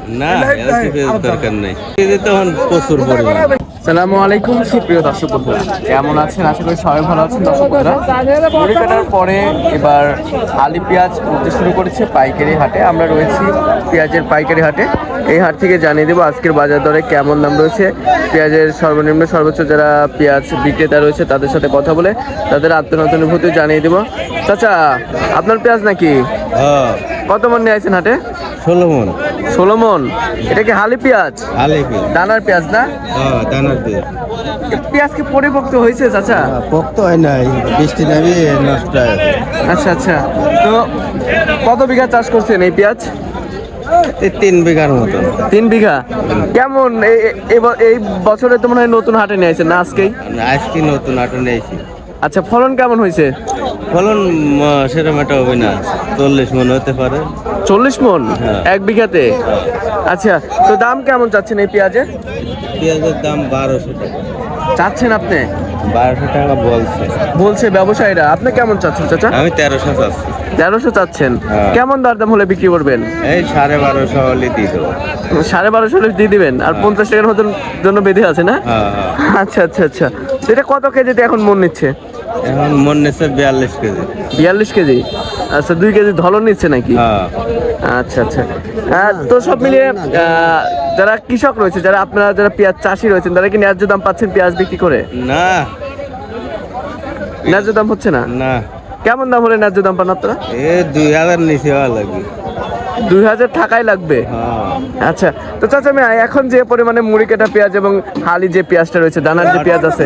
না দরকার নেই, তখন প্রচুর পরিমাণ। আসসালামু আলাইকুম সুপ্রিয় দর্শক বন্ধুরা, কেমন আছেন? আশা করি সবাই ভালো আছেন। দর্শক বন্ধুরা, মুড়ি কাটার পরে এবার আলি পেঁয়াজ উঠতে শুরু করেছে পাইকারি হাটে। আমরা রয়েছি পেঁয়াজের পাইকারি হাটে। এই হাট থেকে জানিয়ে দেবো আজকের বাজার দরে কেমন দাম রয়েছে, পেঁয়াজের সর্বনিম্ন সর্বোচ্চ যারা পেঁয়াজ বিক্রেতা রয়েছে তাদের সাথে কথা বলে তাদের আত্মনতুনুভূতি জানিয়ে দেবো। চাচা, আপনার পেঁয়াজ নাকি? কত মন নিয়ে আছেন হাটে? 16 মন। 16 মন। এটা কি হালি পেঁয়াজ? দানার পেঁয়াজ না? দানার পেঁয়াজ। পেঁয়াজ কি পরিপক্ত হয়েছে চাচা? পোক্ত হয় নাই, বৃষ্টি নামে নষ্ট হয়। আচ্ছা আচ্ছা, তো কত বিঘা চাষ করছেন এই পেঁয়াজ? 3 বিঘার মতো। 3 বিঘা। কেমন এই বছরে তো মনে হয় নতুন হাটে নিয়েছেন না আজকেই? আজকে নতুন হাটে নিয়েছি। আচ্ছা, ফলন কেমন হয়েছে? ফলন সেরকম একটা হবে না, 40 মন হতে পারে। 40 মন এক বিঘাতে? আচ্ছা, তো দাম কেমন চাচ্ছেন এই পেঁয়াজের? পেঁয়াজের দাম 1200 টাকা চাচ্ছেন আপনি? 1200 টাকা বলছে ব্যবসায়ীরা। আপনি কেমন চাচ্ছেন চাচা? আমি 1300 চাচ্ছি। 1300 চাচ্ছেন? কেমন দরদাম হলে বিক্রি করবেন? এই 1250 হলে দিয়ে দেবো। 1250 হলে দিয়ে দিবেন? আর 50 টাকার মতন জন্য বেঁধে আছে না? আচ্ছা আচ্ছা আচ্ছা, এটা কত কেজিতে এখন মন নিচ্ছে? এখন মন নিচ্ছে 42 কেজি। 42 কেজি? আচ্ছা, 2 কেজি ধলন নিচ্ছে নাকি? আচ্ছা আচ্ছা, তো সব মিলিয়ে যারা কৃষক রয়েছে, যারা আপনারা যারা পেঁয়াজ চাষি রয়েছেন, তারা কি ন্যায্য দাম পাচ্ছেন পেঁয়াজ বিক্রি করে? না, ন্যায্য দাম হচ্ছে না? না। কেমন দাম হলে ন্যায্য দাম পান আপনারা? 2000 নিচে হওয়া লাগবে। 2000 টাকাই লাগবে? আচ্ছা, তো চাচা আমি এখন যে পরিমাণে মুড়ি কাটা পেঁয়াজ এবং হালি যে পেঁয়াজটা রয়েছে, দানার যে পেঁয়াজ আছে,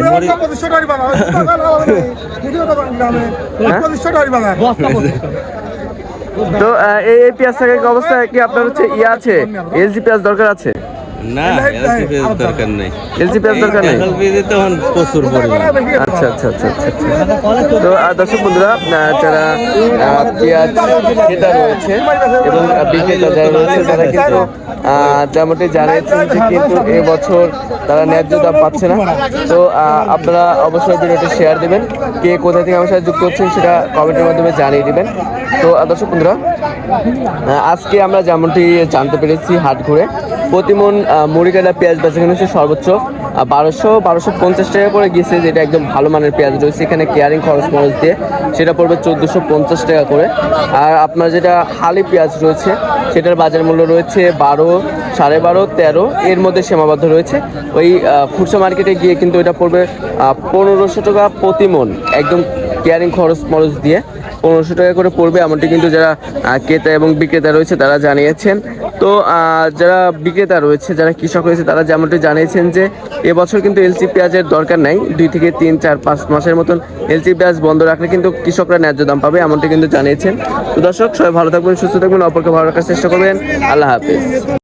তো এই পেঁয়াজ থাকার অবস্থা কি আপনার হচ্ছে আছে এলজি পেঁয়াজ দরকার আছে? না, দরকার নেই। এলজি পেঁয়াজ দরকার নেই, তখন প্রচুর পরিমাণ। আচ্ছা আচ্ছা আচ্ছা আচ্ছা। তো দর্শক বন্ধুরা, যারা পেঁয়াজ ক্রেতা রয়েছে এবং বিক্রেতা যারা রয়েছে, তারা কিন্তু যেমনটি জানিয়েছেন যে কিন্তু এবছর তারা ন্যায্য দাম পাচ্ছে না। তো আপনারা অবশ্যই ভিডিওটি শেয়ার দেবেন, কে কোথা থেকে আমার সাথে যুক্ত হচ্ছেন সেটা কমেন্টের মাধ্যমে জানিয়ে দিবেন। তো দর্শক বন্ধুরা, আজকে আমরা যেমনটি জানতে পেরেছি হাট ঘুরে, প্রতিমন মুড়ি কাটা পেঁয়াজ বেচাকেনা হচ্ছে সর্বোচ্চ 1250 টাকা করে গিয়েছে, যেটা একদম ভালো মানের পেঁয়াজ রয়েছে। এখানে কেয়ারিং খরচ দিয়ে সেটা পড়বে 1450 টাকা করে। আর আপনার যেটা হালি পেঁয়াজ রয়েছে সেটার বাজার মূল্য রয়েছে 12, 12.5, 13 এর মধ্যে সীমাবদ্ধ রয়েছে। ওই খুচরা মার্কেটে গিয়ে কিন্তু এটা পড়বে 1500 টাকা প্রতি মন, একদম কেয়ারিং খরচ দিয়ে 1500 টাকা করে পড়বে, এমনটি কিন্তু যারা ক্রেতা এবং বিক্রেতা রয়েছে তারা জানিয়েছেন। তো যারা বিক্রেতা রয়েছে, যারা কৃষক রয়েছে, তারা যেমনটি জানিয়েছেন যে এবছর কিন্তু এলসি পেঁয়াজের দরকার নাই, 2 থেকে 3, 4, 5 মাসের মতন এলসি পেঁয়াজ বন্ধ রাখলে কিন্তু কৃষকরা ন্যায্য দাম পাবে, এমনটি কিন্তু জানিয়েছেন। তো দর্শক, সবাই ভালো থাকবেন, সুস্থ থাকবেন, অপরকে ভালো রাখার চেষ্টা করবেন। আল্লাহ হাফেজ।